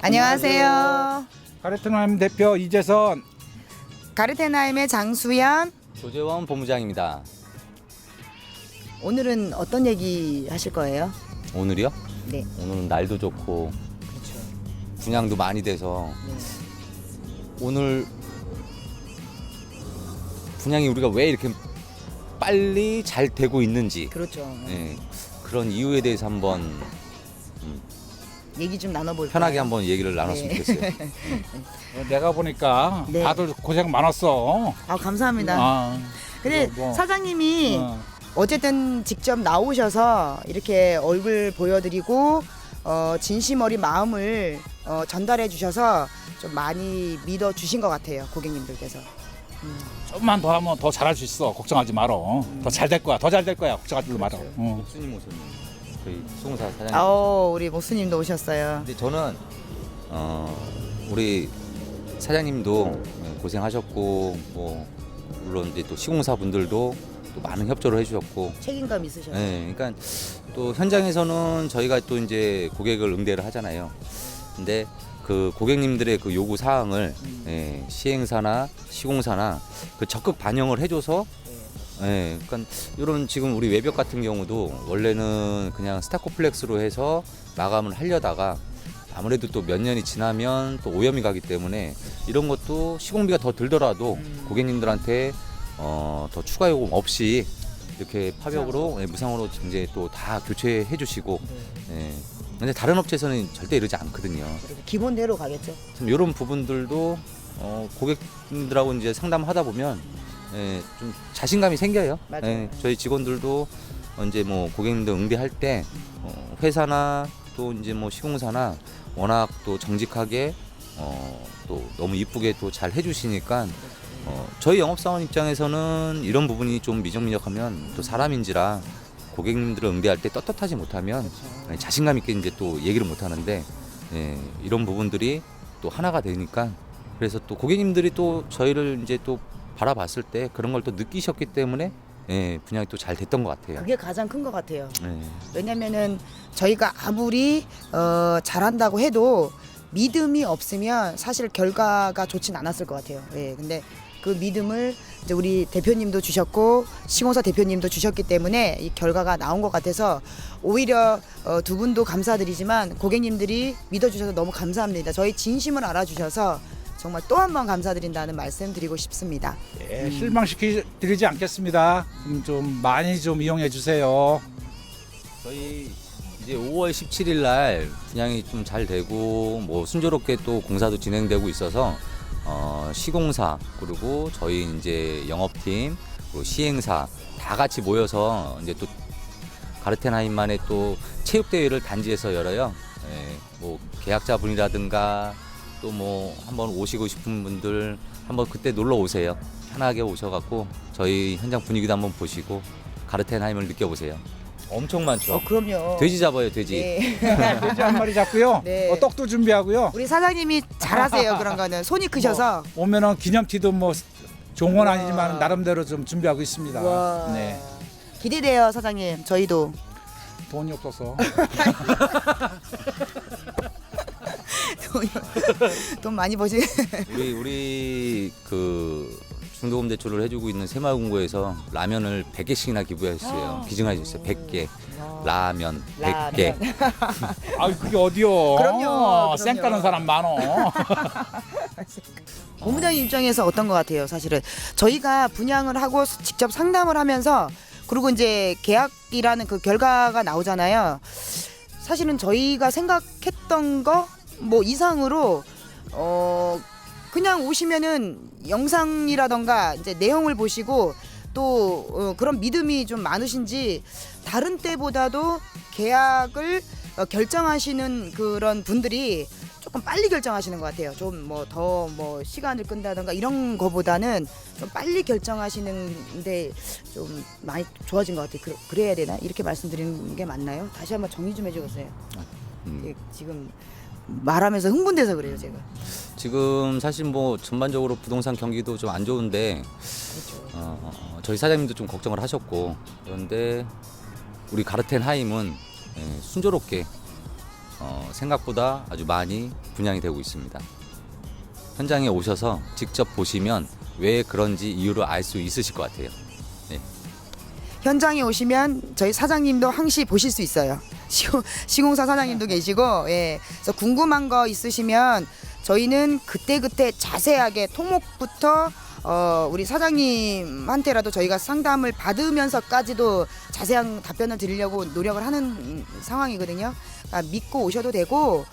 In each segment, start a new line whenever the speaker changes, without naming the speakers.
안녕하세요.
가르트나임 대표 이재선.
가르테나임의 장수연.
조재원 본부장입니다.
오늘은 어떤 얘기 하실 거예요?
오늘이요?
네.
오늘은 날도 좋고
그렇죠.
분양도 많이 돼서
네.
오늘 분양이 우리가 왜 이렇게 빨리 잘 되고 있는지
그렇죠.
예, 그런 이유에 대해서 한번
얘기 좀 나눠볼까요?
편하게 한번 얘기를 나눴으면
네.
좋겠어요.
내가 보니까
네.
다들 고생 많았어.
아, 감사합니다.
아,
근데
뭐,
사장님이
어,
어쨌든 직접 나오셔서 이렇게 얼굴 보여드리고 진심 어린 마음을 전달해 주셔서 좀 많이 믿어 주신 것 같아요, 고객님들께서.
좀만 더 하면 더 잘할 수 있어. 걱정하지 말어. 더 잘 될 거야. 더 잘 될 거야. 걱정하지 말어. 어.
목수님 오셨네요. 저희 수공사 사장님.
우리 목수님도 오셨어요.
근데 저는 우리 사장님도 고생하셨고 뭐 물론 이제 또 시공사 분들도 또 많은 협조를 해주셨고
책임감 있으셔서.
네, 그러니까 또 현장에서는 저희가 또 이제 고객을 응대를 하잖아요. 근데 그 고객님들의 그 요구 사항을 시행사나 시공사나 그 적극 반영을 해줘서 그러니까 이런 지금 우리 외벽 같은 경우도 원래는 그냥 스타코플렉스로 해서 마감을 하려다가 아무래도 또 몇 년이 지나면 또 오염이 가기 때문에 이런 것도 시공비가 더 들더라도 고객님들한테 더 추가 요금 없이 이렇게 파벽으로 무상으로 이제 또 다 교체해 주시고 근데 다른 업체에서는 절대 이러지 않거든요.
기본대로 가겠죠.
참 이런 부분들도 고객님들하고 이제 상담하다 보면 좀 자신감이 생겨요.
맞아요.
저희 직원들도 이제 뭐 고객님들 응대할 때 회사나 또 이제 뭐 시공사나 워낙 또 정직하게 또 너무 이쁘게 또 잘 해주시니까 저희 영업사원 입장에서는 이런 부분이 좀 미적미적하면 또 사람인지라 고객님들을 응대할 때 떳떳하지 못하면 자신감 있게 이제 또 얘기를 못 하는데 이런 부분들이 또 하나가 되니까 그래서 또 고객님들이 또 저희를 이제 또 바라봤을 때 그런 걸 또 느끼셨기 때문에 분양이 또 잘 됐던 것 같아요.
그게 가장 큰 것 같아요.
네.
왜냐면은 저희가 아무리 잘한다고 해도 믿음이 없으면 사실 결과가 좋진 않았을 것 같아요. 근데 그 믿음을 이제 우리 대표님도 주셨고 시공사 대표님도 주셨기 때문에 이 결과가 나온 것 같아서 오히려 두 분도 감사드리지만 고객님들이 믿어주셔서 너무 감사합니다. 저희 진심을 알아주셔서 정말 또 한 번 감사드린다는 말씀 드리고 싶습니다.
실망시키지 않겠습니다. 좀 많이 좀 이용해 주세요.
저희 이제 5월 17일 날 분양이 좀 잘 되고 뭐 순조롭게 또 공사도 진행되고 있어서 시공사 그리고 저희 이제 영업팀 그리고 시행사 다 같이 모여서 이제 또 가르텐하임만의 또 체육대회를 단지에서 열어요. 뭐 계약자분이라든가 또 뭐 한번 오시고 싶은 분들 한번 그때 놀러 오세요. 편하게 오셔갖고 저희 현장 분위기도 한번 보시고 가르텐하임을 느껴보세요. 엄청 많죠.
그럼요.
돼지 잡아요, 돼지.
네.
돼지 한 마리 잡고요.
네.
떡도 준비하고요.
우리 사장님이 잘하세요. 그런 거는 손이 크셔서.
오면은 기념티도 뭐 좋은 건
우와.
아니지만 나름대로 좀 준비하고 있습니다.
와.
네.
기대돼요, 사장님. 저희도.
돈이 없어서.
돈 많이 버시.
우리 그 중도금 대출을 해주고 있는 새마을금고에서 라면을 100개씩이나 기부했어요. 기증해줬어요. 100개. 라면 100개.
아, 그게 어디요?
그럼요.
쌩 까는 사람 많어.
본부장님 입장에서 어떤 것 같아요, 사실은. 저희가 분양을 하고 직접 상담을 하면서 그리고 이제 계약이라는 그 결과가 나오잖아요. 사실은 저희가 생각했던 거 뭐 이상으로 그냥 오시면은 영상이라던가 이제 내용을 보시고 또 그런 믿음이 좀 많으신지 다른 때보다도 계약을 결정하시는 그런 분들이 조금 빨리 결정하시는 것 같아요. 좀 뭐 더 뭐 시간을 끈다던가 이런 거보다는 좀 빨리 결정하시는데 좀 많이 좋아진 것 같아요. 그래야 되나? 이렇게 말씀드리는 게 맞나요? 다시 한번 정리 좀 해주세요. 지금 말하면서 흥분돼서 그래요, 제가.
지금 사실 뭐 전반적으로 부동산 경기도 좀 안 좋은데 저희 사장님도 좀 걱정을 하셨고 그런데 우리 가르텐하임은 순조롭게 생각보다 아주 많이 분양이 되고 있습니다. 현장에 오셔서 직접 보시면 왜 그런지 이유를 알 수 있으실 것 같아요. 네.
현장에 오시면 저희 사장님도 항시 보실 수 있어요. 시공사 사장님도 계시고, 예. 그래서 궁금한 거 있으시면 저희는 그때그때 자세하게 토목부터 우리 사장님한테라도 저희가 상담을 받으면서까지도 자세한 답변을 드리려고 노력을 하는 상황이거든요. 그러니까 믿고 오셔도 되고,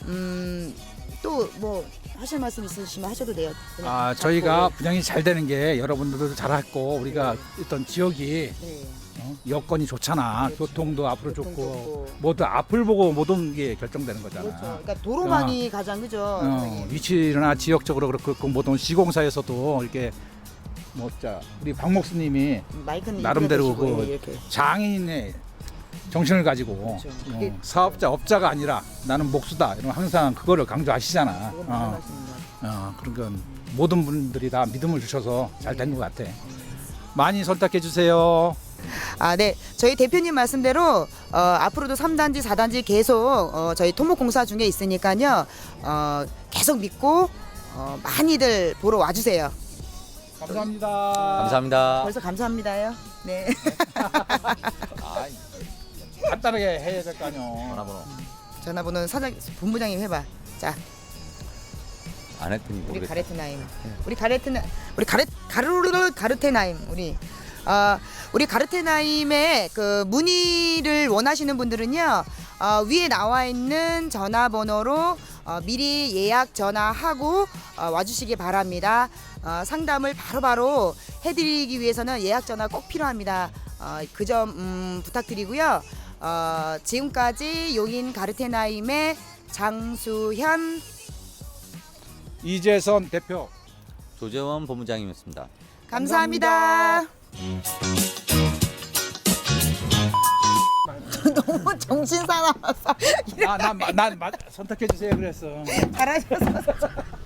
또 뭐 하실 말씀 있으시면 하셔도 돼요. 그냥
저희가
잡고.
분양이 잘 되는 게 여러분들도 잘했고 우리가 있던 지역이
네.
여건이 좋잖아.
그렇죠.
교통도 앞으로
교통
좋고
좋고.
모두 앞을 보고 모든 게 결정되는 거잖아.
그렇죠. 그러니까 도로망이 가장 그죠. 선생님?
위치나 지역적으로 그렇고 모든 시공사에서도 이렇게 우리 박 목수님이
마이크는
나름대로
입으로 대시고,
그
예, 이렇게.
장인의 정신을 가지고
그렇죠. 그게-
사업자 업자가 아니라 나는 목수다 이런 항상 그거를 강조하시잖아.
그건 무슨 말씀인가요?
그러니까 모든 분들이 다 믿음을 주셔서 잘 된 것 같아. 많이 선택해 주세요.
네. 저희 대표님 말씀대로 앞으로도 3단지, 4단지 계속 저희 토목공사 중에 있으니까요. 계속 믿고 많이들 보러 와주세요.
감사합니다.
감사합니다.
벌써 감사합니다요. 네.
간단하게 해야 될 거 아니요.
전화번호
전화번호는 본부장님 해봐. 자,
안 했더니
우리
모르겠다.
가르테나임. 가르테나임. 우리 가르테나임의 그 문의를 원하시는 분들은요. 위에 나와 있는 전화번호로 미리 예약 전화하고 와주시기 바랍니다. 상담을 바로바로 해드리기 위해서는 예약 전화 꼭 필요합니다. 그 점 부탁드리고요. 지금까지 용인 가르테나임의 장수현
이재선 대표.
조재원 본부장이었습니다.
감사합니다. 너무 정신 사나워서
난 선택해 주세요 그랬어.
잘하셔서